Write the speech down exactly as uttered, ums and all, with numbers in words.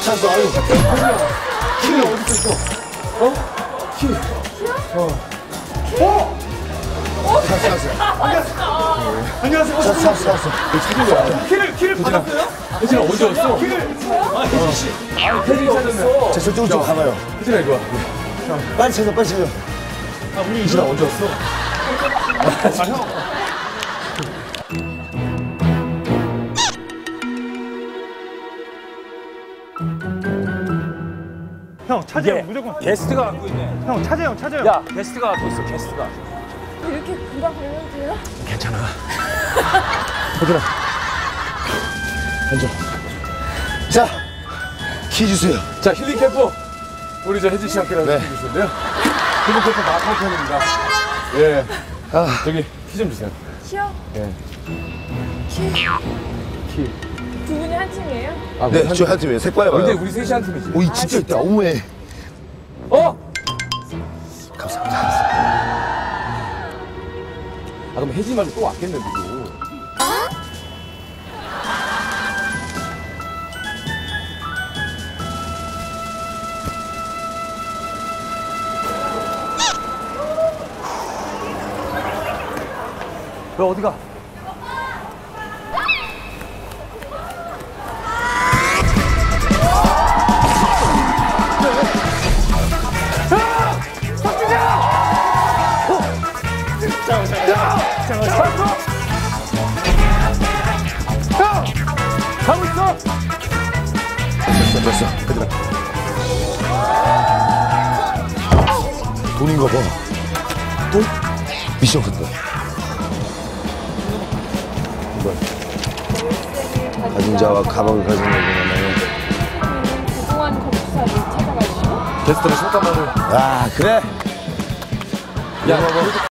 찾았어. 아유. 키를 어디 있어? 어? 키. 어. 어? 찾았어, 찾았어. 안녕하세요. 안녕하세요. 찾았어, 찾았어, 찾았어. 찾은 거야. 키를, 키를 받았어요? 혜진아 언제 왔어? 키를. 아, 혜진 씨. 아, 혜진이 찾았네. 자, 저쪽으로 좀 가봐요. 혜진아 이리 와. 빨리 찾아, 빨리 찾아. 아, 우리 혜진아 언제 왔어? 아, 형. 형, 차재형 무조건. 게스트가 갖고 있네. 형, 차재형, 차재형. 야, 게스트가 갖고 있어, 게스트가. 이렇게 금방 걸려도 돼요? 괜찮아. 얘들아. 앉아. 자, 키 주세요. 자, 힐링 캠프. 우리 저 혜진 씨 함께 네. 해주실 텐데요. 힐링 캠프 마카오 편입니다. 예. 아, 저기 키 좀 주세요. 키요? 예. 키? 키. 두 분이 한 팀이에요? 아, 네, 저희 한 팀이에요. 색깔 봐요. 근데 우리 셋이 한 팀이지. 오, 이 진짜 있다. 어머해. 어? 감사합니다. 아, 그럼 혜진 말고 또 왔겠네, 누구. 너 어디 가? 가고 있어! 됐어, 됐어. 얘들아. 돈인가 봐. 돈? 미션 같다. 이거. 가진 자와 가방을 가진 자에게는 그동안 거북사를 찾아가시고 게스트를 잠깐만을. 아, 그래? 야,